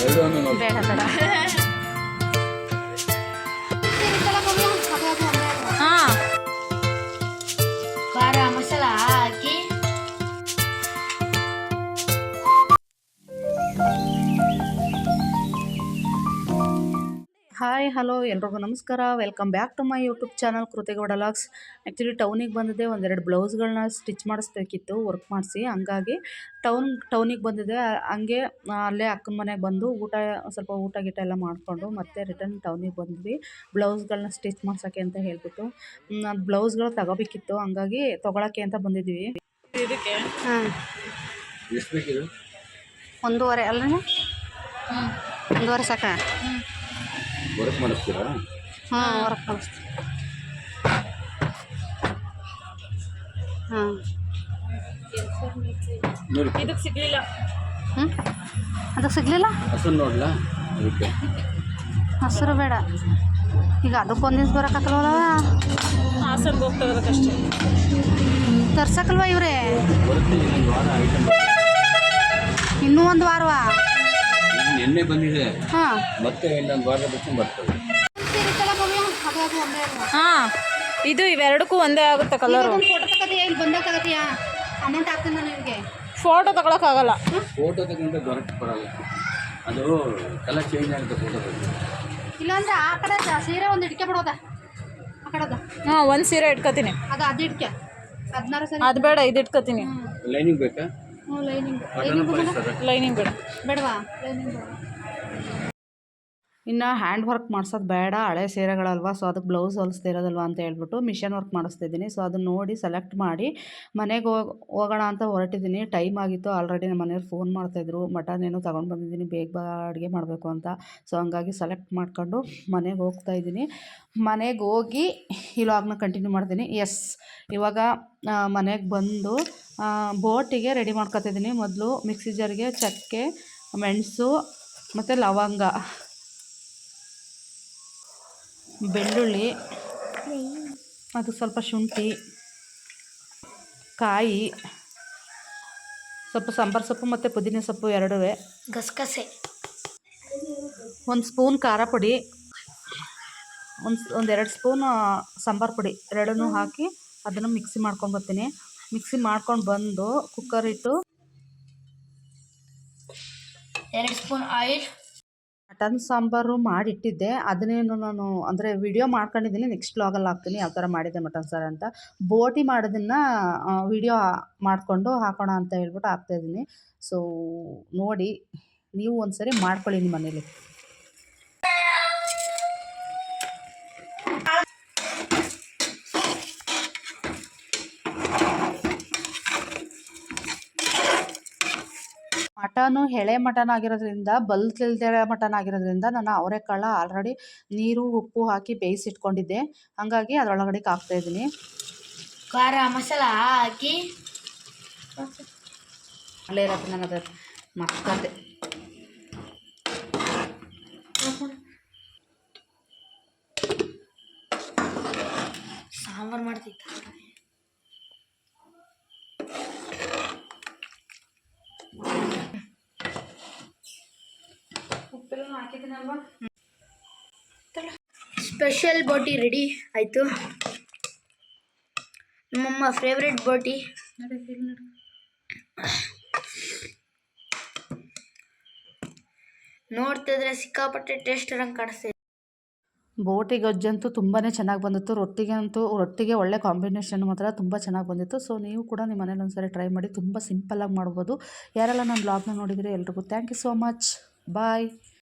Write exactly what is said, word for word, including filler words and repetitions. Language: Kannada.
ಬೇಡ ಬೇಡ ಹಾಂ ಖಾರ ಮಸಾಲ ಹಾಕಿ ಹಾಯ್ ಹಲೋ ಎಲ್ರಿಗೂ ನಮಸ್ಕಾರ. Welcome back to my YouTube channel Kruthi Gowda vlogs. Actually ಟೌನಿಗೆ ಬಂದಿದ್ದೆ, ಒಂದೆರಡು ಬ್ಲೌಸ್ಗಳನ್ನ ಸ್ಟಿಚ್ ಮಾಡಿಸ್ಬೇಕಿತ್ತು ವರ್ಕ್ ಮಾಡಿಸಿ. ಹಂಗಾಗಿ ಟೌನ್ ಟೌನಿಗೆ ಬಂದಿದ್ದೆ. ಹಂಗೆ ಅಲ್ಲೇ ಅಕ್ಕನ ಮನೆಗೆ ಬಂದು ಊಟ ಸ್ವಲ್ಪ ಊಟ ಗೀಟ ಎಲ್ಲ ಮಾಡಿಕೊಂಡು ಮತ್ತೆ ರಿಟರ್ನ್ ಟೌನಿಗೆ ಬಂದ್ವಿ ಬ್ಲೌಸ್ಗಳನ್ನ ಸ್ಟಿಚ್ ಮಾಡ್ಸೋಕ್ಕೆ ಅಂತ ಹೇಳ್ಬಿಟ್ಟು. ಅದು ಬ್ಲೌಸ್ಗಳು ತಗೋಬೇಕಿತ್ತು, ಹಂಗಾಗಿ ತೊಗೊಳಕ್ಕೆ ಅಂತ ಬಂದಿದ್ವಿ. ಇದಕ್ಕೆ ಹಾಂ ಒಂದೂವರೆ ಅಲ್ಲ ಒಂದೂವರೆ ಸಾಕ? ವರ್ಕ್ ಮಾಡಿಸ್ತೀರಾ? ಹಾಂ ವರ್ಕ್ ಮಾಡಿಸ್ತೀವಿ. ಹಾಂ ಇದಕ್ಕೆ ಸಿಗಲಿಲ್ಲ. ಹ್ಞೂ ಅದಕ್ಕೆ ಸಿಗಲಿಲ್ಲ. ಹಸನ್ ನೋಡ್ಲಾ? ಅದಕ್ಕೆ ಹಸಿರು ಬೇಡ. ಈಗ ಅದಕ್ಕೊಂದು ದಿವ್ಸ ಬರೋಕ್ಕಲ್ವಲ್ಲ, ಹಾಸನ್ಗೆ ಹೋಗ್ತದಕ್ಕಷ್ಟೇ. ತರ್ಸಕ್ಕಲ್ವ ಇವರೇ? ಬರ್ತೀನಿ ಒಂದು ವಾರ ಐಟಮ್. ಇನ್ನೂ ಒಂದು ವಾರವಾ? ನಿನ್ನೆ ಬಂದಿದೆ. ಹಾಂ ಮತ್ತೆ ಇನ್ನೊಂದು ವಾರದ ಬಿಟ್ಟು ಬರ್ತದೆ. ಹಾಂ ಇದು ಇವೆರಡಕ್ಕೂ ಒಂದೇ ಆಗುತ್ತೆ ಕಲರು. ಫೋಟೋ ತಗೋತೀಯಾ? ಇಲ್ಲಿ ಬಂದಾಗ ತಗೋತೀಯಾ? ಅಮೌಂಟ್ ಹಾಕ್ತೀನಿ ನಾನು ನಿಮಗೆ. ಫೋಟೋ ತಗೊಳಕ್ಕಾಗಲ್ಲ. ಫೋಟೋ ತಗೊಂಡ್ರೆ ದೊರಕ ಬರಲ್ಲ, ಅದು ಕಲರ್ ಚೇಂಜ್ ಆಗುತ್ತೆ ಫೋಟೋ ಬಗ್ಗೆ. ಇಲ್ಲಾಂದ್ರೆ ಆ ಕಡೆ ಸೀರೆ ಒಂದು ಇಟ್ಕೆ ಬಿಡೋದ, ಆ ಕಡೆದ. ಹಾಂ ಒಂದು ಸೀರೆ ಇಟ್ಕೋತೀನಿ. ಅದು ಅದು ಇಟ್ಕೆ ಹದಿನಾರು ಸರಿ. ಅದು ಬೇಡ, ಇದು ಇಟ್ಕೋತೀನಿ. ಲೈನಿಂಗ್ ಬೇಕಾ? ಹ್ಞೂ ಲೈನಿಂಗ್ ಲೈನಿಂಗ್ ಬೇಡ. ಬೇಡವಾ? ಲೈನಿಂಗ್ ಬೇಡ. ಇನ್ನು ಹ್ಯಾಂಡ್ ವರ್ಕ್ ಮಾಡ್ಸೋದು ಬೇಡ, ಹಳೆ ಸೀರೆಗಳಲ್ವ, ಸೊ ಅದಕ್ಕೆ ಬ್ಲೌಸ್ ಹೊಲಿಸ್ತಾ ಇರೋದಲ್ವ ಅಂತ ಹೇಳ್ಬಿಟ್ಟು ಮಿಷನ್ ವರ್ಕ್ ಮಾಡಿಸ್ತಿದ್ದೀನಿ. ಸೊ ಅದನ್ನು ನೋಡಿ ಸೆಲೆಕ್ಟ್ ಮಾಡಿ ಮನೆಗೆ ಹೋಗಿ ಹೋಗೋಣ ಅಂತ ಹೊರಟಿದ್ದೀನಿ. ಟೈಮ್ ಆಗಿತ್ತು ಆಲ್ರೆಡಿ. ನಮ್ಮ ಮನೆಯವ್ರು ಫೋನ್ ಮಾಡ್ತಾಯಿದ್ರು, ಮಟನ್ ಏನೋ ತೊಗೊಂಡು ಬಂದಿದ್ದೀನಿ, ಬೇಗ ಬಾ ಅಡುಗೆ ಮಾಡಬೇಕು ಅಂತ. ಸೊ ಹಂಗಾಗಿ ಸೆಲೆಕ್ಟ್ ಮಾಡ್ಕೊಂಡು ಮನೆಗೆ ಹೋಗ್ತಾಯಿದ್ದೀನಿ. ಮನೆಗೆ ಹೋಗಿ ಈ ಲಾಗ್ನ ಕಂಟಿನ್ಯೂ ಮಾಡ್ತೀನಿ. ಎಸ್, ಇವಾಗ ಮನೆಗೆ ಬಂದು ಬೋಟಿಗೆ ರೆಡಿ ಮಾಡ್ಕೊತಿದ್ದೀನಿ. ಮೊದಲು ಮಿಕ್ಸಿ ಜಾರಿಗೆ ಚಕ್ಕೆ, ಮೆಣಸು ಮತ್ತು ಲವಂಗ, ಬೆಳ್ಳುಳ್ಳಿ, ಅದು ಸ್ವಲ್ಪ ಶುಂಠಿ, ಕಾಯಿ, ಸ್ವಲ್ಪ ಸಾಂಬಾರು ಸೊಪ್ಪು ಮತ್ತು ಪುದೀನ ಸೊಪ್ಪು ಎರಡೂ, ಗಸಗಸೆ, ಒಂದು ಸ್ಪೂನ್ ಖಾರ ಪುಡಿ, ಒಂದು ಒಂದೆರಡು ಸ್ಪೂನ್ ಸಾಂಬಾರು ಪುಡಿ ಎರಡನ್ನೂ ಹಾಕಿ ಅದನ್ನು ಮಿಕ್ಸಿ ಮಾಡ್ಕೊಂಡು ಬರ್ತೀನಿ. ಮಿಕ್ಸಿ ಮಾಡ್ಕೊಂಡು ಬಂದು ಕುಕ್ಕರ್ ಇಟ್ಟು ಎರಡು ಸ್ಪೂನ್ ಆಯಿಲ್. ಮಟನ್ ಸಾಂಬಾರು ಮಾಡಿಟ್ಟಿದ್ದೆ, ಅದನ್ನೇನು ನಾನು ಅಂದರೆ ವಿಡಿಯೋ ಮಾಡ್ಕೊಂಡಿದ್ದೀನಿ, ನೆಕ್ಸ್ಟ್ ವ್ಲಾಗಲ್ಲಿ ಹಾಕ್ತೀನಿ ಯಾವ ಥರ ಮಾಡಿದ್ದೆ ಮಟನ್ ಸಾರು ಅಂತ. ಬೋಟಿ ಮಾಡೋದನ್ನು ವಿಡಿಯೋ ಮಾಡಿಕೊಂಡು ಹಾಕೋಣ ಅಂತ ಹೇಳ್ಬಿಟ್ಟು ಹಾಕ್ತಾಯಿದ್ದೀನಿ. ಸೊ ನೋಡಿ, ನೀವು ಒಂದು ಸರಿ ಮಾಡ್ಕೊಳ್ಳಿ ನಿಮ್ಮ ಮನೇಲಿ. ಮಟನು ಎಳೆ ಮಟನ್ ಆಗಿರೋದ್ರಿಂದ, ಬಲ್ತಿಲ್ದೆ ಮಟನ್ ಆಗಿರೋದ್ರಿಂದ ನಾನು ಅವರೆಕಾಳು ಆಲ್ರೆಡಿ ನೀರು ಉಪ್ಪು ಹಾಕಿ ಬೇಯಿಸಿಟ್ಕೊಂಡಿದ್ದೆ, ಹಾಗಾಗಿ ಅದರೊಳಗಡೆ ಹಾಕ್ತಾಯಿದ್ದೀನಿ. ಖಾರ ಮಸಾಲ ಹಾಕಿ ಅಲ್ಲೇ ಇರತ್ತೆ, ನಾನು ಅದು ಮಕ್ಕಂದೆ. ಸಾಂಬಾರು ಮಾಡ್ತಿದ್ದ ಉಪ್ಪೆಲ್ಲ ಹಾಕಿದ್ದೀನಲ್ವಾ. ಸ್ಪೆಷಲ್ ಬೋಟಿ ರೆಡಿ ಆಯಿತು. ನಮ್ಮಮ್ಮ ಫೇವ್ರೆಟ್ ಬೋಟಿ. ನೋಡ್ತಿದ್ರೆ ಸಿಕ್ಕಾಪಟ್ಟೆ ಟೇಸ್ಟ್ ಇರಂಗೆ ಕಾಣಿಸ್ತಿದೆ. ಬೋಟಿ ಗೊಜ್ಜಂತೂ ತುಂಬಾ ಚೆನ್ನಾಗಿ ಬಂದಿತ್ತು. ರೊಟ್ಟಿಗೆ ಅಂತೂ ರೊಟ್ಟಿಗೆ ಒಳ್ಳೆ ಕಾಂಬಿನೇಷನ್ ಮಾತ್ರ ತುಂಬ ಚೆನ್ನಾಗಿ ಬಂದಿತ್ತು. ಸೊ ನೀವು ಕೂಡ ನಿಮ್ಮ ಮನೇಲಿ ಒಂದ್ಸರಿ ಟ್ರೈ ಮಾಡಿ, ತುಂಬ ಸಿಂಪಲ್ಲಾಗಿ ಮಾಡ್ಬೋದು. ಯಾರೆಲ್ಲ ನನ್ನ ಬ್ಲಾಗ್ನ ನೋಡಿದರೆ ಎಲ್ರಿಗೂ thank you so much. Bye.